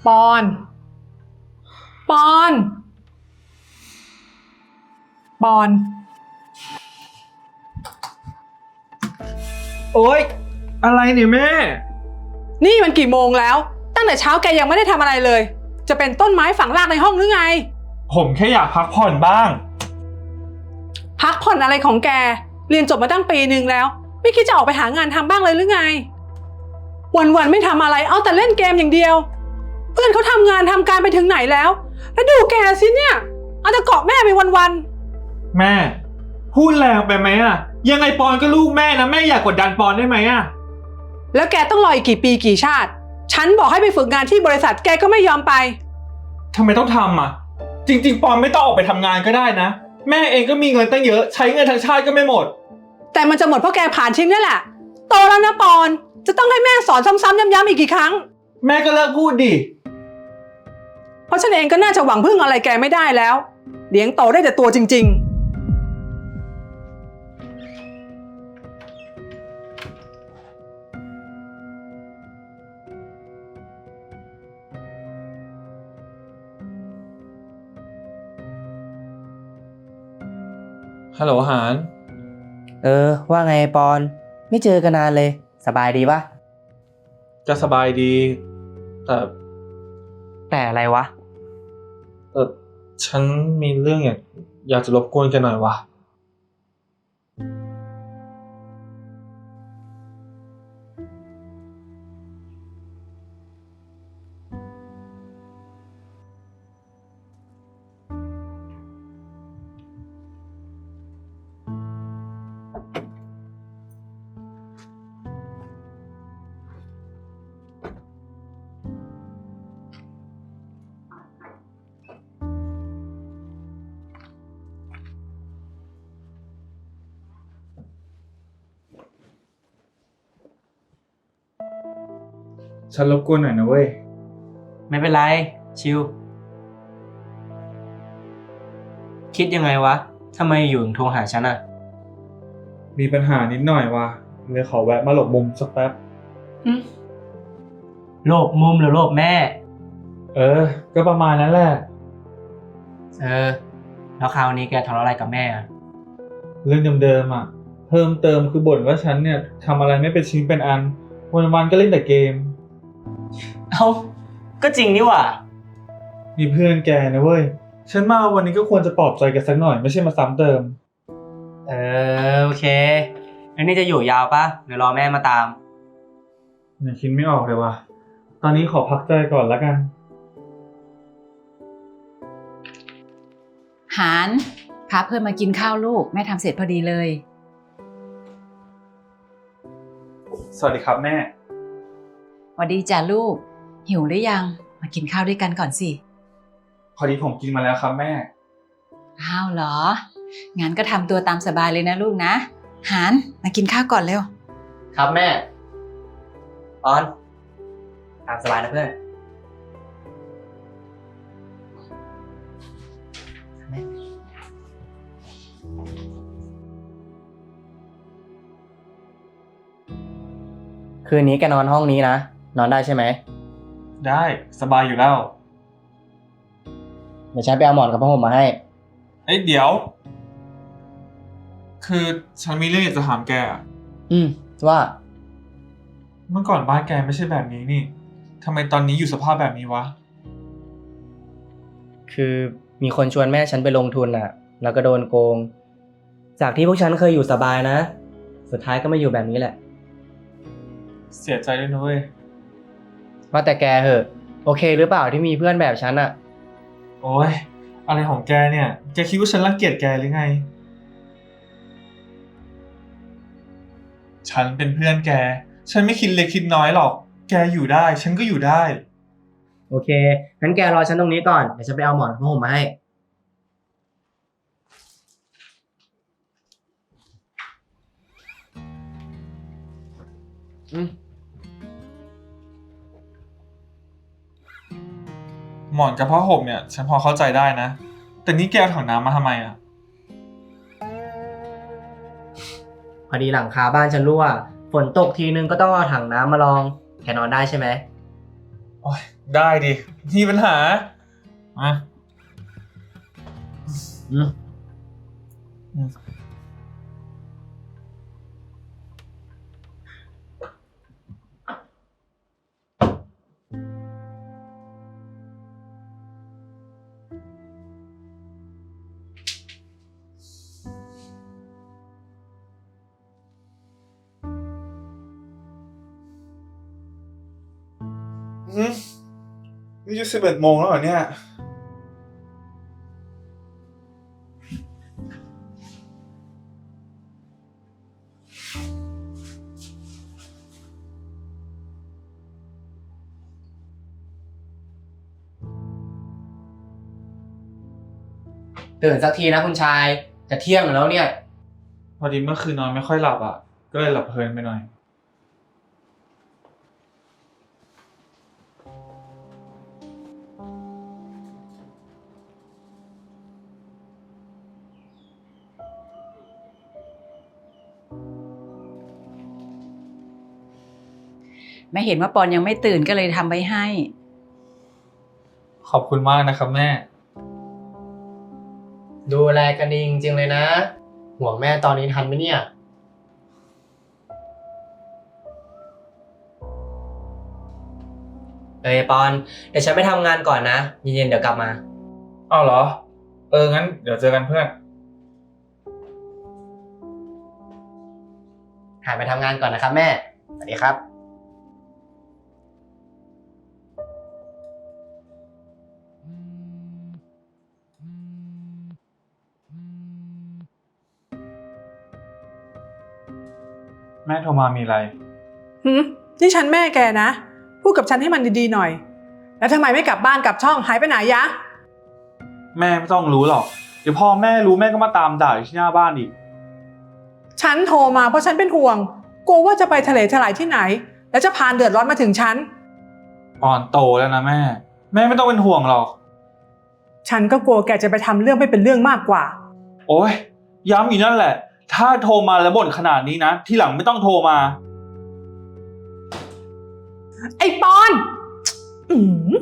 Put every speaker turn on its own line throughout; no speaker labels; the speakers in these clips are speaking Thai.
ปอนปอนปอน
โอ๊ยอะไรเนี่ยแม่
นี่มันกี่โมงแล้วตั้งแต่เช้าแกยังไม่ได้ทำอะไรเลยจะเป็นต้นไม้ฝังรากในห้องหรือไง
ผมแค่อยากพักผ่อนบ้าง
พักผ่อนอะไรของแกเรียนจบมาตั้งปีนึงแล้วไม่คิดจะออกไปหางานทำบ้างเลยหรือไงวันๆไม่ทำอะไรเอาแต่เล่นเกมอย่างเดียวเพื่อนเขาทำงานทำการไปถึงไหนแล้วดูแกสิเนี่ยเอาแต่เกาะแม่ไปวัน
แม่พูดแรงไปไหมอะยังไงปอนก็ลูกแม่นะแม่อยากกดดันปอนได้ไหมอะ
ๆแล้วแกต้องรออีกกี่ปีกี่ชาติฉันบอกให้ไปฝึกงานที่บริษัทแกก็ไม่ยอมไป
ทำไมต้องทำอะจริงๆปอนไม่ต้องออกไปทำงานก็ได้นะแม่เองก็มีเงินตั้งเยอะใช้เงินทั้งชาติก็ไม่หมด
แต่มันจะหมดเพราะแกผ่านชิ้นนี่แหละโตแล้วนะปอนจะต้องให้แม่สอนซ้ำๆย้ำๆอีกกี่ครั้ง
แม่ก็เลิกพูดดิ
เพราะฉันเองก็น่าจะหวังพึ่งอะไรแกไม่ได้แล้วเลี้ยงโตได้แต่ตัวจริงๆ
ฮัลโหลหาน
ว่าไงปอนไม่เจอกันนานเลยสบายดีปะ
จะสบายดี
แต่อะไรวะ
ฉันมีเรื่องอยากจะรบกวนแกหน่อยวะฉันรบกวนหน่อยนะเว้ย
ไม่เป็นไรชิวคิดยังไงวะทำไมอยู่ถึงโทรหาฉันอะ
มีปัญหานิดหน่อยว่ะเลยขอแวะมาหลบมุมสักแป๊บ
โลภมุมหรือโลภแม่
ก็ประมาณนั้นแหละ
แล้วคราวนี้แกทะเลาะอะไรกับแม่อะ
เรื่องเดิมๆอ่ะเพิ่มเติมคือบ่นว่าฉันเนี่ยทำอะไรไม่เป็นชิ้นเป็นอันวันๆก็เล่นแต่เกม
ก็จริงนี่หว่า
มีเพื่อนแกนะเว้ยฉันมาวันนี้ก็ควรจะปลอบใจกันสักหน่อยไม่ใช่มาซ้ำเติม
โอเคแล้วนี่จะอยู่ยาวปะเดี๋ยวรอแม่มาตาม
ยังคิดไม่ออกเลยว่ะตอนนี้ขอพักใจก่อนแล้วกัน
หานพาเพื่อนมากินข้าวลูกแม่ทำเสร็จพอดีเลย
สวัสดีครับแม่
สวัสดีจ้ะลูกหิวหรือยังมากินข้าวด้วยกันก่อนสิ
พอดีผมกินมาแล้วครับแม่
อ้าวเหรองั้นก็ทำตัวตามสบายเลยนะลูกนะหานมากินข้าวก่อนเร็ว
ครับแม่ปอนตามสบายนะเพื่อนคืนนี้แกนอนห้องนี้นะนอนได้ใช่ไหม
ได้สบายอยู่แล้ว
เดี๋ยวฉันไปเอาหมอนกับผ้าห่มมาให้
เดี๋ยวคือฉันมีเรื่องอยากจะถามแก
ว่า
เมื่อก่อนบ้านแกไม่ใช่แบบนี้นี่ทำไมตอนนี้อยู่สภาพแบบนี้วะ
คือมีคนชวนแม่ฉันไปลงทุนอ่ะแล้วก็โดนโกงจากที่พวกฉันเคยอยู่สบายนะสุดท้ายก็มาอยู่แบบนี้แหละ
เสียใจด้วยนะเว้ย
ว่าแต่แกเหอะโอเคหรือเปล่าที่มีเพื่อนแบบฉันอ่ะ
โอ๊ยอะไรของแกเนี่ยแกคิดว่าฉันรังเกียจแกหรือไงฉันเป็นเพื่อนแกฉันไม่คิดเล็กคิดน้อยหรอกแกอยู่ได้ฉันก็อยู่ได้
โอเคงั้นแกรอฉันตรงนี้ก่อนเดี๋ยวฉันไปเอาหมอนกับผ้าห่มมาให้
หมอนกับผ้าห่มเนี่ยฉันพอเข้าใจได้นะแต่นี่แกเอาถังน้ำมาทำไมอ่ะ
พอดีหลังคาบ้านฉันรั่วฝนตกทีนึงก็ต้องเอาถังน้ำมาลองแกนอนได้ใช่ไหม
โอ๊ยได้ดิมีปัญหามาอืมอืมนี่จะ11 โมงแล้วเหรอเนี่ย
ตื่นสักทีนะคุณชาย จะเที่ยงแล้วเนี่ย
พอดีเมื่อคืนนอนไม่ค่อยหลับอ่ะ ก็เลยหลับเพลินไปหน่อย
แม่เห็นว่าปอนยังไม่ตื่นก็เลยทำไว้ให้
ขอบคุณมากนะครับแม่
ดูแลกันดีจริงๆเลยนะ ห่วงแม่ตอนนี้ทันไหมเนี่ย ปอน เดี๋ยวฉันไปทำงานก่อนนะ เย็นๆเดี๋ยวกลับมา
อ้าวเหรอ งั้นเดี๋ยวเจอกันเพื่อน
หายไปทำงานก่อนนะครับแม่ สวัสดีครับ
แม่โทรมามีอะไร
นี่ฉันแม่แกนะ พูดกับฉันให้มันดีๆหน่อย แล้วทำไมไม่กลับบ้านกลับช่องหายไปไหนยะ
แม่ไม่ต้องรู้หรอก เดี๋ยวพ่อแม่รู้แม่ก็มาตามด่าอยู่ที่หน้าบ้านอีก
ฉันโทรมาเพราะฉันเป็นห่วง กลัวว่าจะไปทะเลถลายที่ไหน แล้วจะพานเดือดร้อนมาถึงฉัน
ปอนโตแล้วนะแม่ แม่ไม่ต้องเป็นห่วงหรอก
ฉันก็กลัวแกจะไปทำเรื่องไม่เป็นเรื่องมากกว่า
โอ๊ย ย้ำอยู่นั่นแหละ ถ้าโทรมาแล้วบ่นขนาดนี้นะ ทีหลังไม่ต้องโทรมา
ไอ้ปอน อืม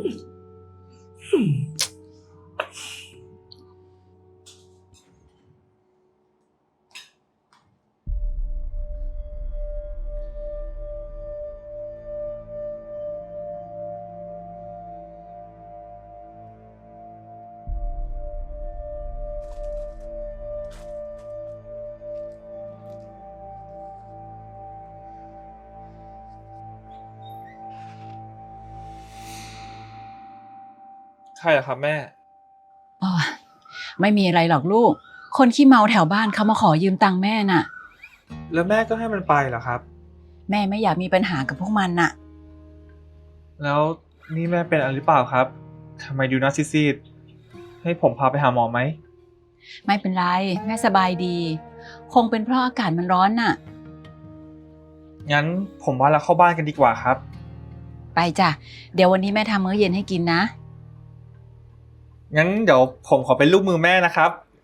ใช่เหรอครับแม่
อ๋อ ไม่มีอะไรหรอกลูก คนขี้เมาแถวบ้านเขามาขอยืมตังค์แม่น่ะ
แล้วแม่ก็ให้มันไปเหรอครับ
แม่ไม่อยากมีปัญหากับพวกมันน่ะ
แล้วนี่แม่เป็นอะไรหรือเปล่าครับ ทำไมดูหน้าซีดๆให้ผมพาไปหาหมอไหม
ไม่เป็นไร แม่สบายดี คงเป็นเพราะอากาศมันร้อนน่ะ
งั้นผมว่าเราเข้าบ้านกันดีกว่าครับ
ไปจ้ะ เดี๋ยววันนี้แม่ทำมื้อเย็นให้กินนะ
งั้นเดี๋ยวผมขอเป็นลูกมือแม่นะครับ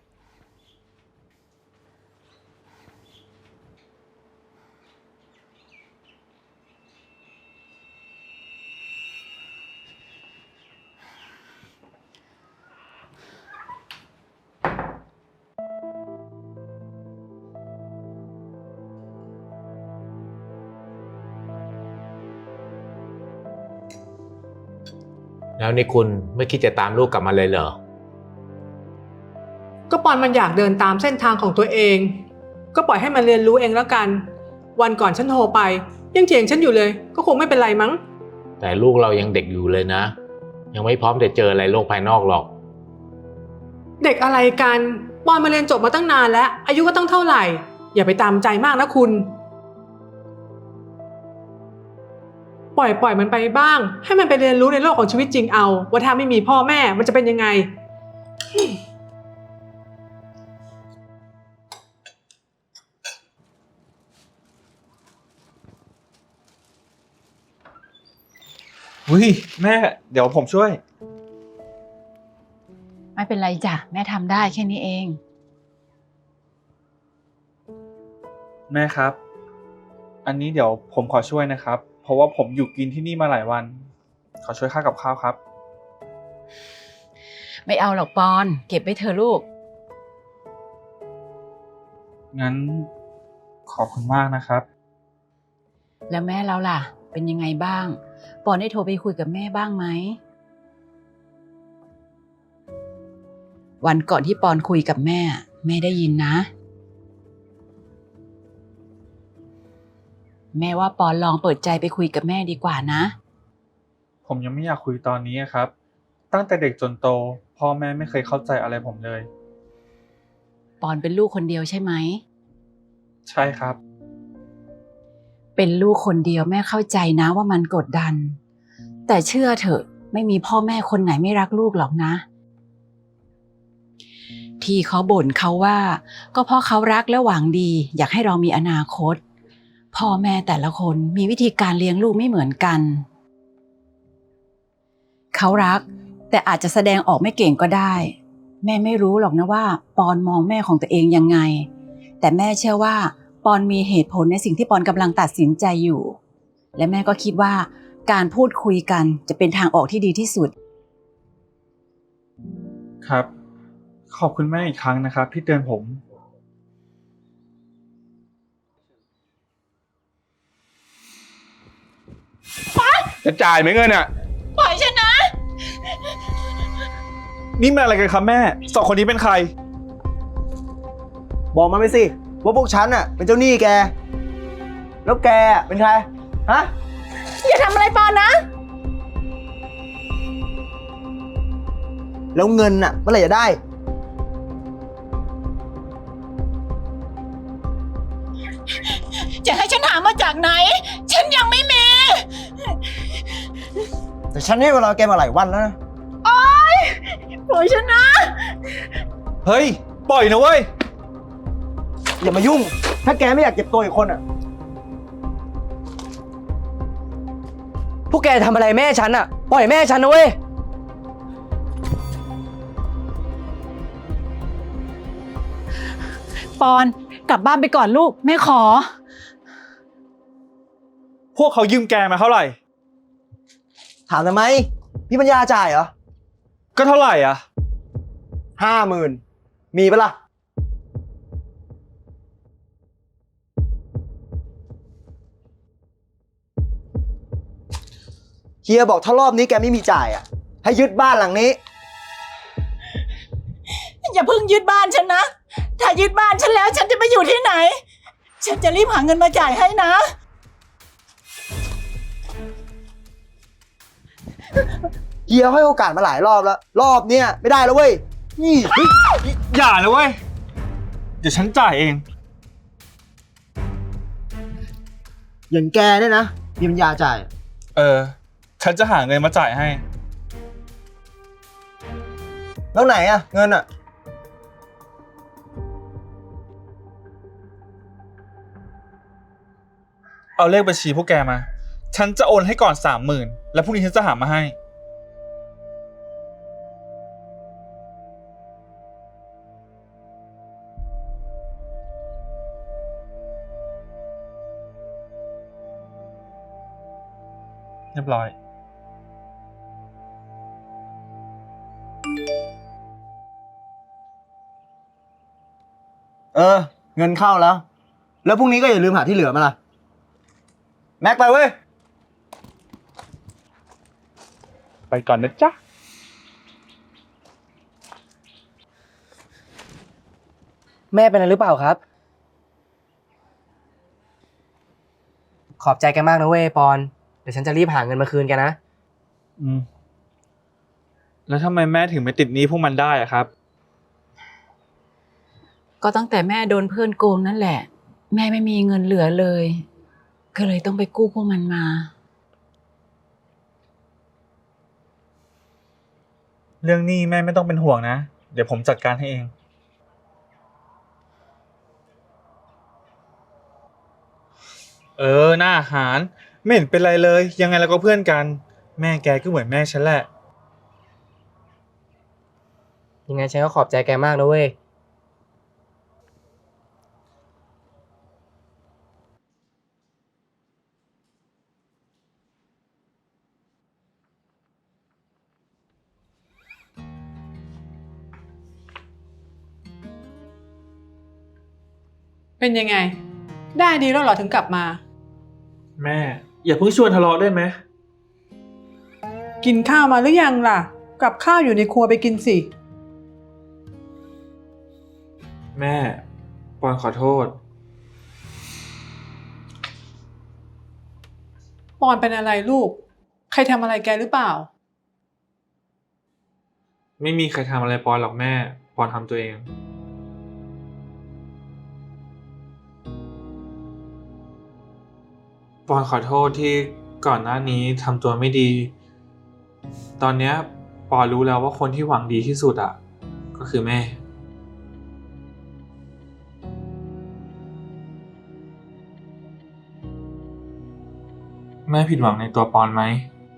แล้วนี่คุณไม่คิดจะตามลูกกลับมาเลยเหรอ
ก็ปอนมันอยากเดินตามเส้นทางของตัวเอง ก็ปล่อยให้มันเรียนรู้เองแล้วกัน วันก่อนฉันโทรไป ยังเถียงฉันอยู่เลย ก็คงไม่เป็นไรมั้ง
แต่ลูกเรายังเด็กอยู่เลยนะ ยังไม่พร้อมจะเจออะไรโลกภายนอกหรอก
เด็กอะไรกัน ปอนมาเรียนจบมาตั้งนานแล้ว อายุก็ต้องเท่าไหร่ อย่าไปตามใจมากนะคุณ ปล่อยมันไปบ้าง ให้มันไปเรียนรู้ในโลกของชีวิตจริงเอา ว่าถ้าไม่มีพ่อแม่มันจะเป็นยังไง
อุ้ยแม่ เดี๋ยวผมช่วย
ไม่เป็นไรจ้ะ แม่ทำได้แค่นี้เอง
แม่ครับ อันนี้เดี๋ยวผมขอช่วยนะครับ เพราะว่าผมอยู่กินที่นี่มาหลายวัน ขขอช่วยค่ากับข้าวครับ
ไม่เอาหรอกปอน เก็บไว้เธอะลูก
งั้นขอบคุณมากนะครับ
แล้วแม่เราล่ะ เป็นยังไงบ้าง ปอนได้โทรไปคุยกับแม่บ้างไหม วันก่อนที่ปอนคุยกับแม่ แม่ได้ยินนะ แม่ว่าปอนลองเปิดใจไปคุยกับแม่ดีกว่านะ
ผมยังไม่อยากคุยตอนนี้ครับ ตั้งแต่เด็กจนโต พ่อแม่ไม่เคยเข้าใจอะไรผมเลย
ปอนเป็นลูกคนเดียวใช่ไหม
ใช่ครับ
เป็นลูกคนเดียวแม่เข้าใจนะว่ามันกดดัน แต่เชื่อเถอะไม่มีพ่อแม่คนไหนไม่รักลูกหรอกนะ ที่เขาบ่นเขาว่า ก็เพราะเขารักและหวังดี อยากให้เรามีอนาคต พ่อแม่แต่ละคนมีวิธีการเลี้ยงลูกไม่เหมือนกัน เขารักแต่อาจจะแสดงออกไม่เก่งก็ได้ แม่ไม่รู้หรอกนะว่าปอนมองแม่ของตัวเองยังไง แต่แม่เชื่อว่าปอนมีเหตุผลในสิ่งที่ปอนกำลังตัดสินใจอยู่ และแม่ก็คิดว่าการพูดคุยกันจะเป็นทางออกที่ดีที่สุด
ครับ ขอบคุณแม่อีกครั้งนะครับที่เตือนผม
จะจ่ายไหมเงินอ่ะ
ปล่อยฉันนะ
นี่มันอะไรกันครับแม่สองคนนี้เป็นใคร
บอกมาไปสิว่าพวกฉันน่ะเป็นเจ้าหนี้แก แล้วแกเป็นใคร ฮะ
อย่าทำอะไรปอนนะ
แล้วเงินน่ะเมื่อไหร่จะได้
จะให้ฉันหามาจากไหน ฉันยังไม่มี
แต่ฉันให้เวลาแกมาหลายวันแล้วนะ
ปล่อยฉันนะ
เฮ้ย ปล่อยนะเว้ย
อย่ามายุ่ง ถ้าแกไม่อยากเจ็บตัวอีกคนอ่ะ
พวกแกทำอะไรแม่ฉันอะปล่อยแม่ฉันนะเว้ย
ปอนกลับบ้านไปก่อนลูกแม่ขอ
พวกเขายืมแกมาเท่าไหร่
ถามทำไม พี่ปัญญาจ่ายเหรอ
ก็เท่าไหร่อ่ะ
50,000 มีปะล่ะ เฮียบอกถ้ารอบนี้แกไม่มีจ่ายอ่ะ ให้ยึดบ้านหลังนี้
อย่าเพิ่งยึดบ้านฉันนะ ถ้ายึดบ้านฉันแล้วฉันจะไปอยู่ที่ไหน ฉันจะรีบหาเงินมาจ่ายให้นะ
เฮียให้โอกาสมาหลายรอบแล้ว รอบเนี้ยไม่ได้แล้วเว้ย นี่
อย่าเลยเว้ย เดี๋ยวฉันจ่ายเอง
อย่างแกเนี่ยนะ มีปัญญาจ่าย
ฉันจะหาเงินมาจ่ายให้
แล้วไหนอะเงินอะ
เอาเลขบัญชีพวกแกมา ฉันจะโอนให้ก่อน 30,000 แล้วพรุ่งนี้ฉันจะหามาให้ เรียบร้อย
เงินเข้าแล้ว แล้วพรุ่งนี้ก็อย่าลืมหาที่เหลือมาล่ะ แม็กไปเว้ย
ไปก่อนนะจ๊ะ
แม่เป็นอะไรหรือเปล่าครับ ขอบใจแกมากนะเว้ยปอน เดี๋ยวฉันจะรีบหาเงินมาคืนแกนะ
อืม แล้วทำไมแม่ถึงไม่ติดหนี้พวกมันได้อะครับ
ก็ตั้งแต่แม่โดนเพื่อนโกงนั่นแหละ แม่ไม่มีเงินเหลือเลย ก็เลยต้องไปกู้พวกมันมา
เรื่องหนี้แม่ไม่ต้องเป็นห่วงนะ เดี๋ยวผมจัดการให้เอง หน้าอาหาร ไม่เห็นเป็นไรเลย ยังไงเราก็เพื่อนกัน แม่แกก็เหมือนแม่ฉันแหละ
ยังไงฉันก็ขอบใจแกมากนะเว้ย
เป็นยังไง ได้ดีแล้วเหรอถึงกลับมา
แม่ อย่าเพิ่งชวนทะเลาะได้ไหม
กินข้าวมาหรือยังล่ะ กับข้าวอยู่ในครัวไปกินสิ
แม่ปอนขอโทษ
ปอนเป็นอะไรลูก ใครทำอะไรแกหรือเปล่า
ไม่มีใครทำอะไรปอนหรอกแม่ ปอนทำตัวเอง ปอนขอโทษที่ก่อนหน้านี้ทำตัวไม่ดี ตอนเนี้ยปอนรู้แล้วว่าคนที่หวังดีที่สุดอ่ะ ก็คือแม่ แม่ผิดหวังในตัวปอนไหม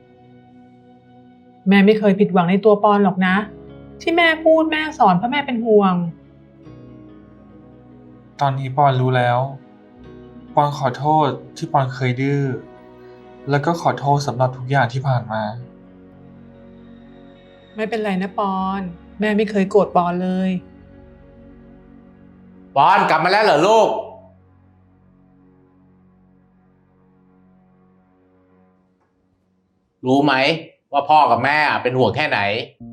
แม่ไม่เคยผิดหวังในตัวปอนหรอกนะ ที่แม่พูดแม่สอนเพราะแม่เป็นห่วง
ตอนนี้ปอนรู้แล้ว ปอนขอโทษที่ปอนเคยดื้อ แล้วก็ขอโทษสำหรับทุกอย่างที่ผ่านมา
ไม่เป็นไรนะปอน แม่ไม่เคยโกรธปอนเลย
ปอนกลับมาแล้วเหรอลูก รู้ไหมว่าพ่อกับแม่เป็นห่วงแค่ไหน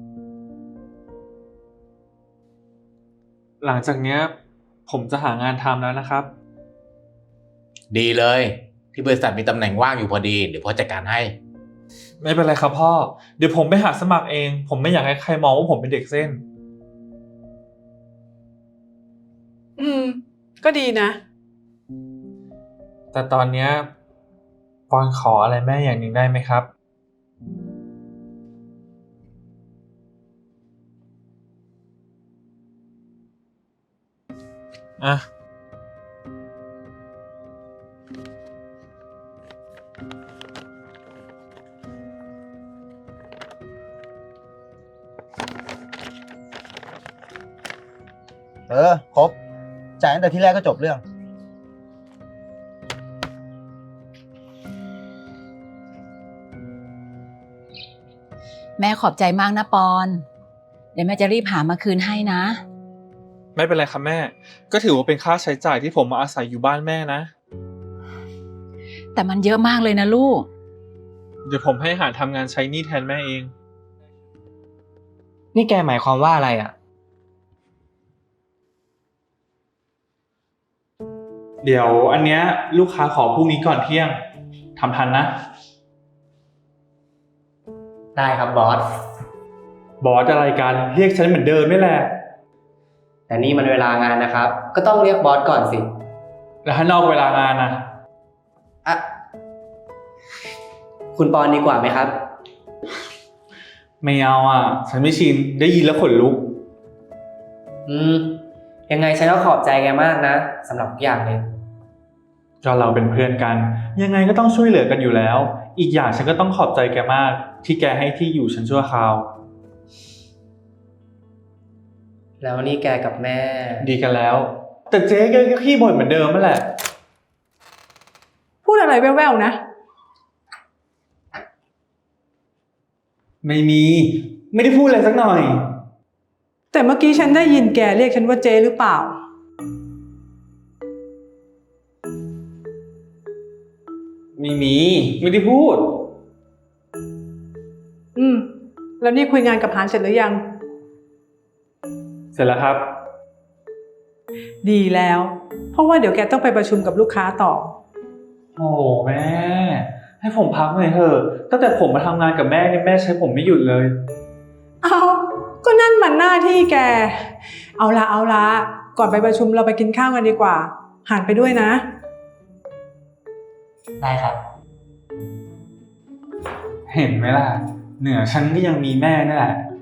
หลังจากเนี้ยผมจะหางานทำแล้วนะครับ
ดีเลย ที่บริษัทมีตำแหน่งว่างอยู่พอดี เดี๋ยวพ่อจัดการให้
ไม่เป็นไรครับพ่อ เดี๋ยวผมไปหาสมัครเอง ผมไม่อยากให้ใครมองว่าผมเป็นเด็กเส้น
ก็ดีนะ
แต่ตอนเนี้ยปอนขออะไรแม่อย่างหนึ่งได้ไหมครับ อ่ะ
ครบ จ่ายตั้งแต่ที่แรกก็จบเรื่อง
แม่ขอบใจมากนะปอน เดี๋ยวแม่จะรีบหามาคืนให้นะ
ไม่เป็นไรครับแม่ ก็ถือว่าเป็นค่าใช้จ่ายที่ผมมาอาศัยอยู่บ้านแม่นะ
แต่มันเยอะมากเลยนะลูก
เดี๋ยวผมให้หาทำงานใช้หนี้แทนแม่เอง
นี่แกหมายความว่าอะไรอ่ะ
เดี๋ยวอันเนี้ยลูกค้าขอพรุ่งนี้ก่อนเที่ยงทำทันนะ
ได้ครับบอส
บอสอะไรกัน เรียกฉันเหมือนเดิมนี่แหละ
แต่นี่มันเวลางานนะครับ ก็ต้องเรียกบอสก่อนสิ
แล้วถ้านอกเวลางานนะ
อ่ะ คุณปอนดีกว่าไหมครับ
ไม่เอาอ่ะ ฉันไม่ชิน ได้ยินแล้วขนลุก
ยังไงฉันก็ขอบใจแกมากนะสำหรับทุกอย่างเลย
ก็เราเป็นเพื่อนกัน ยังไงก็ต้องช่วยเหลือกันอยู่แล้ว อีกอย่างฉันก็ต้องขอบใจแกมาก ที่แกให้ที่อยู่ฉันชั่วคราว
แล้วนี่แกกับแม่
ดีกันแล้ว แต่เจ๊แกก็ขี้บ่นเหมือนเดิมนั่นแหละ
พูดอะไรแว่วๆนะ
ไม่มี ไม่ได้พูดอะไรสักหน่อย
แต่เมื่อกี้ฉันได้ยินแกเรียกฉันว่าเจ๊หรือเปล่า
ไม่มี ไม่ได้พูด
แล้วนี่คุยงานกับหานเสร็จหรือยัง
เสร็จแล้วครับ
ดีแล้ว เพราะว่าเดี๋ยวแกต้องไปประชุมกับลูกค้าต่อ
โอ้แม่ ให้ผมพักหน่อยเถอะตั้งแต่ผมมาทำงานกับแม่เนี่ยแม่ใช้ผมไม่หยุดเลย
เอาก็นั่นมันหน้าที่แก เอาละก่อนไปประชุมเราไปกินข้าวกันดีกว่า หานไปด้วยนะ
ได้ครับ
เห็นไหมล่ะ เหนือฉันก็ยังมีแม่นี่แหละ